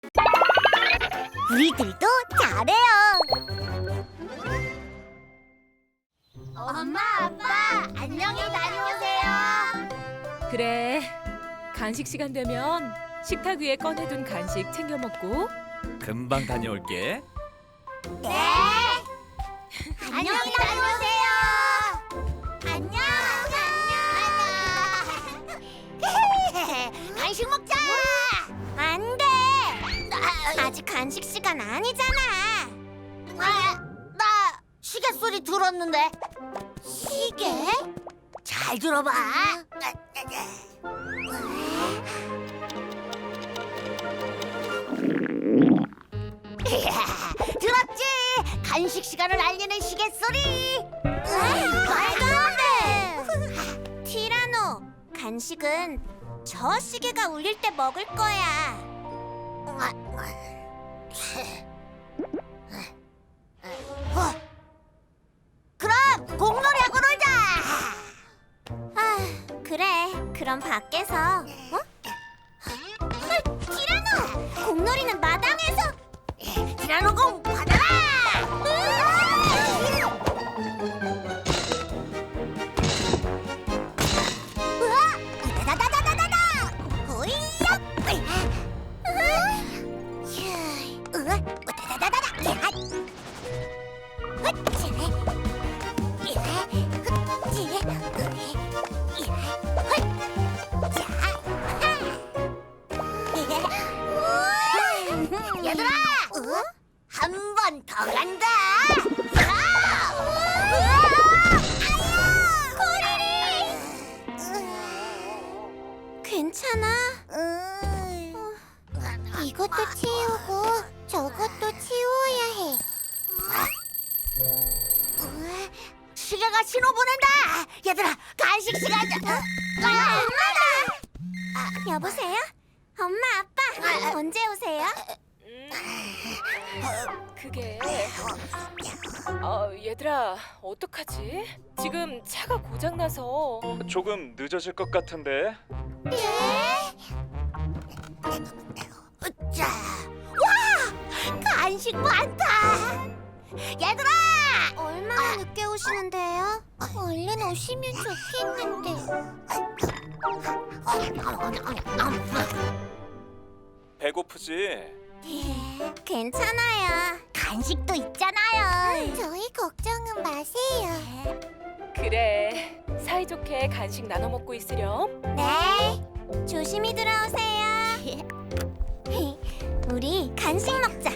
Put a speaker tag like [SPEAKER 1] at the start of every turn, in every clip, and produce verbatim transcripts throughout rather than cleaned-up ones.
[SPEAKER 1] 우리들도 잘해요. 엄마, 아빠, 안녕히 다녀오세요.
[SPEAKER 2] 그래, 간식 시간 되면 식탁 위에 꺼내둔 간식 챙겨 먹고.
[SPEAKER 3] 금방 다녀올게.
[SPEAKER 1] 네. 안녕히 다녀오세요. 안녕. 안녕. 간식 먹자. 안 돼. 아직 간식 시간 아니잖아. 아, 나 시계 소리 들었는데. 시계? 잘 들어봐. 들었지? 간식 시간을 알리는 시계 소리. 말도 안 돼. 티라노, 간식은 저 시계가 울릴 때 먹을 거야. 어. 그럼 공놀이하고 놀자. 아, 그래. 그럼 밖에서. 어? 어, 티라노! 공놀이는 마당에서. 티라노 공 받아라! 우와! 다다다다다다다! 호이야! 우와! 다다다다다! 야! 헛지! 야! 헛지! 야! 헛자! 얘들아! 한 번 더 간다! 괜찮아? 어, 이것도 치우고 저것도 치워야 해. 시계가 신호 보낸다! 얘들아, 간식 시간이야! 아, 엄마다! 여보세요? 엄마, 아빠, 언제 오세요?
[SPEAKER 2] 그게... 어, 얘들아, 어떡하지? 지금 차가 고장나서.
[SPEAKER 3] 조금 늦어질 것 같은데.
[SPEAKER 1] 예? 자, 와! 간식 많다! 얘들아! 얼마나 늦게 오시는데요? 얼른 오시면 좋겠는데.
[SPEAKER 3] 배고프지?
[SPEAKER 1] 괜찮아요. 간식도 있잖아요. 저희 걱정은 마세요.
[SPEAKER 2] 그래, 사이좋게 간식 나눠 먹고 있으렴.
[SPEAKER 1] 네, 조심히 들어오세요. 우리 간식 먹자.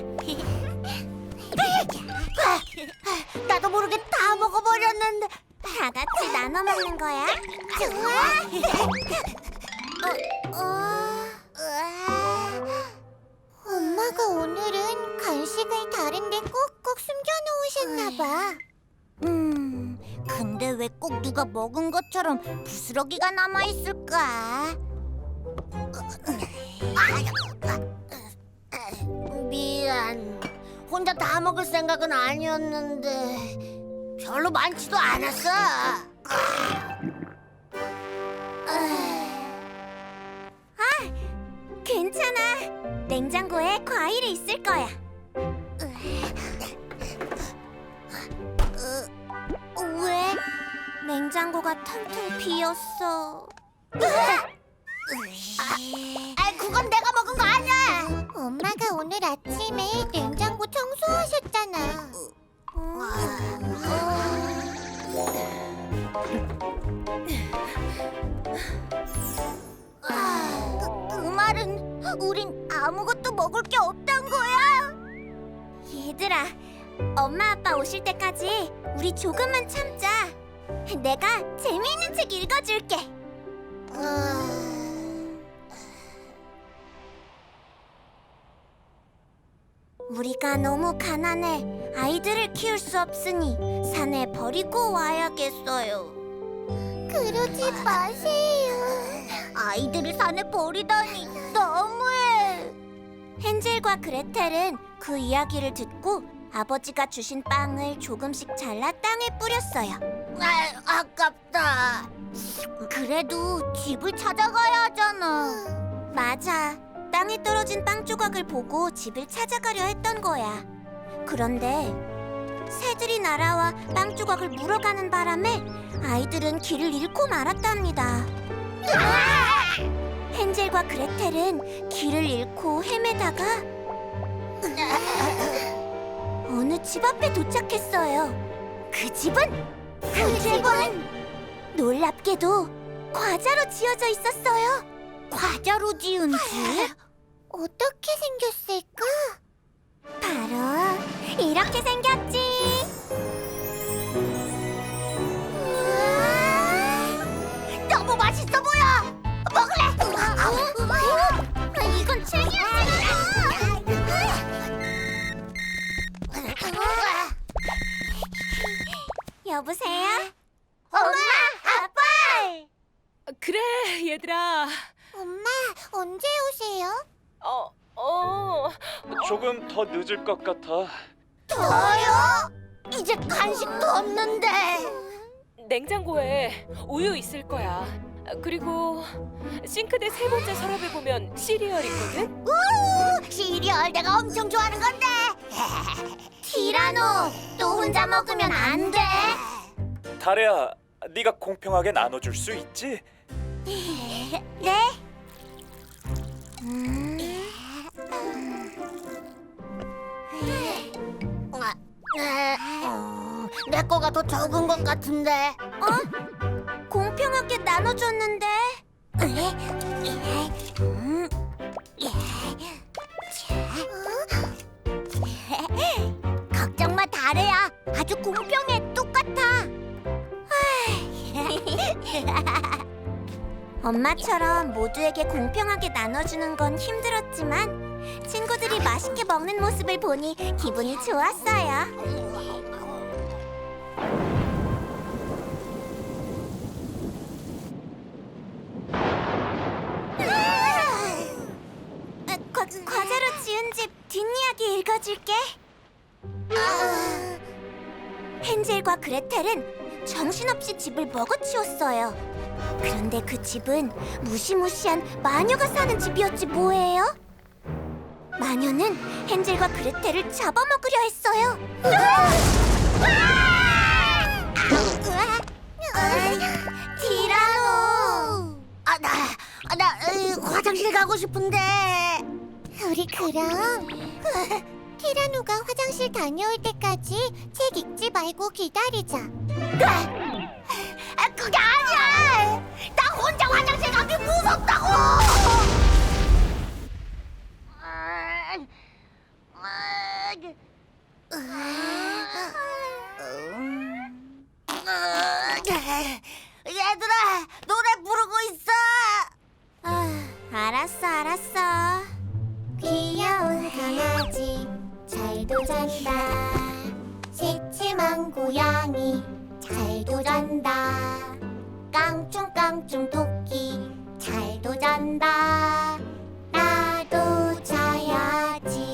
[SPEAKER 1] 나도 모르게 다 먹어버렸는데. 다 같이 나눠 먹는 거야? 좋아. 어, 어, 으아. 엄마가 오늘은 간식을 다른데 꼭꼭 숨겨놓으셨나 봐. 음, 근데 왜 꼭 누가 먹은 것처럼 부스러기가 남아 있을까? 미안. 혼자 다 먹을 생각은 아니었는데 별로 많지도 않았어. 아, 괜찮아. 냉장고에 과일이 있을 거야. 왜? 냉장고가 텅텅 비었어. 아, 그건 내가 먹은 거 아니야. 엄마가 오늘 아침에 냉장고 청소하셨잖아. 그, 그 말은 우린 아무것도 먹을 게 없단 거야? 얘들아, 엄마 아빠 오실 때까지 우리 조금만 참자. 내가 재미있는 책 읽어줄게. 우리가 너무 가난해 아이들을 키울 수 없으니 산에 버리고 와야겠어요. 그러지 마세요. 아이들을 산에 버리다니 너무해. 헨젤과 그레텔은 그 이야기를 듣고 아버지가 주신 빵을 조금씩 잘라 땅에 뿌렸어요. 아, 아깝다. 그래도 집을 찾아가야 하잖아. 맞아. 땅에 떨어진 빵 조각을 보고 집을 찾아가려 했던 거야. 그런데 새들이 날아와 빵 조각을 물어가는 바람에 아이들은 길을 잃고 말았답니다. 헨젤과 그레텔은 길을 잃고 헤매다가 어느 집 앞에 도착했어요. 그 집은 그 집은 놀랍게도 과자로 지어져 있었어요. 과자로 지은 집? 어떻게 생겼을까? 바로 이렇게 생겼지. 우와, 너무 맛있어 보여. 먹을래? 이건 책이야. 여보세요? 엄마, 아빠!
[SPEAKER 2] 그래, 얘들아.
[SPEAKER 1] 엄마, 언제 오세요?
[SPEAKER 2] 어, 어.
[SPEAKER 3] 조금 더 늦을 것 같아.
[SPEAKER 1] 저요? 이제 간식도 없는데.
[SPEAKER 2] 냉장고에 우유 있을 거야. 그리고 싱크대 세 번째 서랍에 보면 시리얼 있거든.
[SPEAKER 1] 우! 시리얼 내가 엄청 좋아하는 건데. 티라노, 또 혼자 먹으면 안 돼.
[SPEAKER 3] 다레야, 네가 공평하게 나눠줄 수 있지?
[SPEAKER 1] 네? 음. 내 거가 더 적은 것 같은데. 어? 공평하게 나눠줬는데. 음. 걱정 마, 다래야. 아주 공평해. 똑같아. 엄마처럼 모두에게 공평하게 나눠주는 건 힘들었지만 친구들이 맛있게 먹는 모습을 보니 기분이 좋았어요. 아, 과, 과자로 지은 집 뒷이야기 읽어줄게. 헨젤과 그레텔은 정신없이 집을 먹어치웠어요. 그런데 그 집은 무시무시한 마녀가 사는 집이었지 뭐예요? 마녀는 헨젤과 그레텔을 잡아먹으려 했어요. 티라노! 아, 나, 아, 나 으, 화장실 가고 싶은데. 우리 그럼 티라노가 화장실 다녀올 때까지 책 읽지 말고 기다리자. 아, 그게 아니야! 나 혼자 화장실 가기 무섭다고! 얘들아, 노래 부르고 있어! 아, 알았어, 알았어. 귀여운 강아지 잘도 잔다. 새침한 고양이 잘도 잔다. 깡충깡충 토끼 잘도 잔다. 나도 자야지.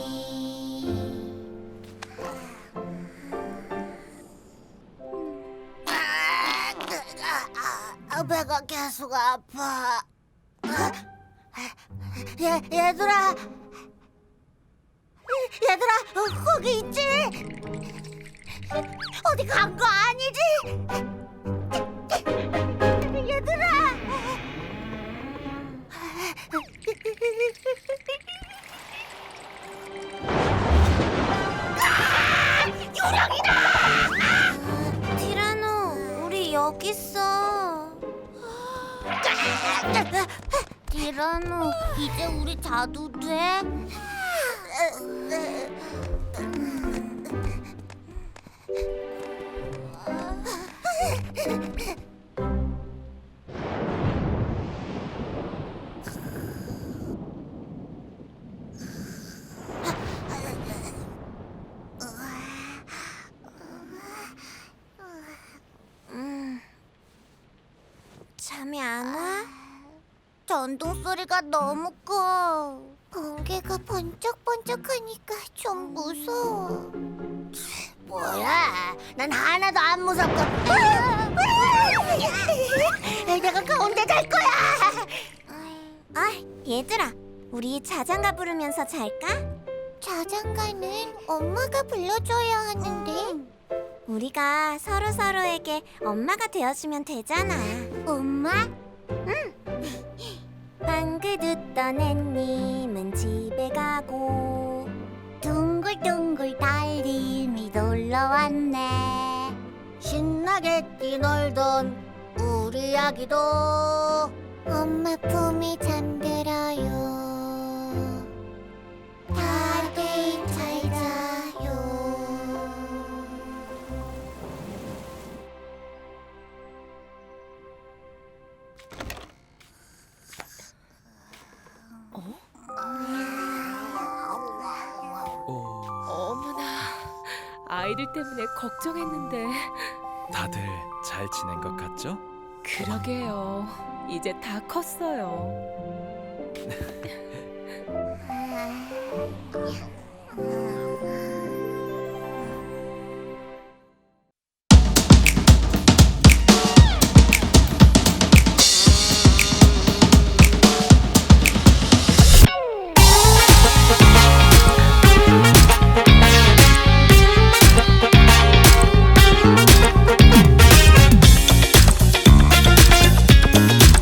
[SPEAKER 1] 아, 배가 계속 아파. 얘, 얘들아, 얘들아, 어, 거기 있지? 어디 간 거 아니지? 얘들아! 아! 유령이다! 티라노, 우리 여기 있어. 티라노, 이제 우리 자도 돼? 음, 잠이 안 와? 전동 소리가 너무 커. 번개가 번쩍번쩍하니까 좀 무서워. 뭐야? 난 하나도 안 무섭거든. 내가 가운데 갈 거야. 아, 얘들아, 우리 자장가 부르면서 잘까? 자장가는 엄마가 불러줘야 하는데. 우리가 서로 서로에게 엄마가 되어주면 되잖아. 엄마? 응. 방긋 웃던 햇님은 집에 가고 둥글둥글 달림이 놀러 왔네. 신나게 뛰놀던 우리 아기도 엄마 품에 잠들어요. 다들 잘 자요.
[SPEAKER 3] 오,
[SPEAKER 2] 어머나, 아이들 때문에 걱정했는데.
[SPEAKER 3] 다들 잘 지낸 것 같죠?
[SPEAKER 2] 그러게요. 이제 다 컸어요.
[SPEAKER 1] 아,